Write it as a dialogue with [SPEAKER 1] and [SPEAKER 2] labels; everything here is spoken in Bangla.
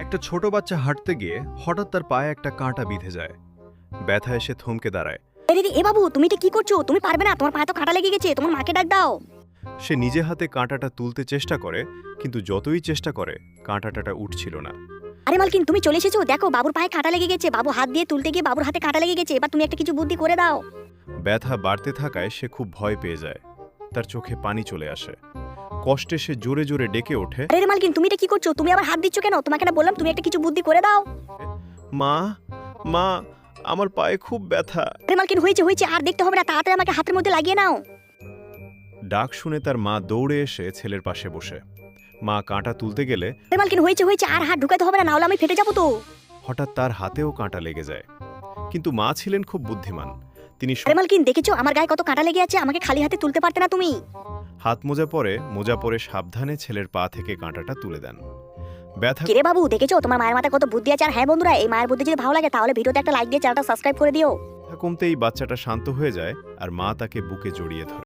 [SPEAKER 1] একটা ছোট বাচ্চা হাঁটতে গিয়ে হঠাৎ তার পায়ে একটা কাঁটা বিঁধে যায়। ব্যথা এসে থমকে দাঁড়ায়।
[SPEAKER 2] এ বাবু, তুমি এটা কি করছো? তুমি পারবে না, তোমার পায়ে তো কাঁটা লেগে গেছে, তোমার মাকে ডাক দাও।
[SPEAKER 1] সে নিজে হাতে কাঁটাটা তুলতে চেষ্টা করে, কিন্তু যতই চেষ্টা করে কাঁটাটা উঠছিল না।
[SPEAKER 2] আরে মালকিন, তুমি চলে এসেছো, দেখো বাবুর পায়ে কাঁটা লেগে গেছে। বাবু হাত দিয়ে তুলতে গিয়ে বাবুর হাতে কাঁটা লেগে গেছে। এবার তুমি একটা কিছু বুদ্ধি করে দাও।
[SPEAKER 1] ব্যথা বাড়তে থাকায় সে খুব ভয় পেয়ে যায়। তার চোখে পানি চলে আসে। কষ্টে সে জোরে জোরে ডেকে ওঠে,
[SPEAKER 2] আরে মালকিন, তুমি এটা কি করছো? তুমি আবার হাত দিচ্ছ কেন? তোমাকে না বললাম তুমি একটা কিছু বুদ্ধি করে দাও।
[SPEAKER 1] মা মা, আমার পায়ে খুব ব্যথা।
[SPEAKER 2] আরে মালকিন, হয়েছে হয়েছে, আর দেখতে হবে না, তাড়াতাড়ি আমাকে হাতের মধ্যে লাগিয়ে নাও।
[SPEAKER 1] ডাক শুনে তার মা দৌড়ে এসে ছেলের পাশে বসে। মা কাঁটা তুলতে গেলে
[SPEAKER 2] আরে মালকিন, হয়েছে হয়েছে, আর হাত ঢুকাতে হবে না, নাহলে আমি ফেটে যাবো তো।
[SPEAKER 1] হঠাৎ তার হাতেও কাঁটা লেগে যায়। কিন্তু মা ছিলেন খুব বুদ্ধিমান। তিনি
[SPEAKER 2] আরে মালকিন, দেখেছো আমার গায়ে কত কাঁটা লেগে আছে? আমাকে খালি হাতে তুলতে পারতে না তুমি?
[SPEAKER 1] হাত মোজা পরে সাবধানে ছেলের পা থেকে কাঁটাটা তুলে দেন। ব্যথা
[SPEAKER 2] কিরে বাবু, দেখেছো তোমার মায়ের মাথায় কত বুদ্ধি আছে? আর হ্যাঁ বন্ধুরা, এই মায়ের বুদ্ধি যদি ভালো লাগে তাহলে ভিডিওতে একটা লাইক দিয়ে চ্যানেলটা সাবস্ক্রাইব করে দিও।
[SPEAKER 1] কমতেই বাচ্চাটা শান্ত হয়ে যায় আর মা তাকে বুকে জড়িয়ে ধরে।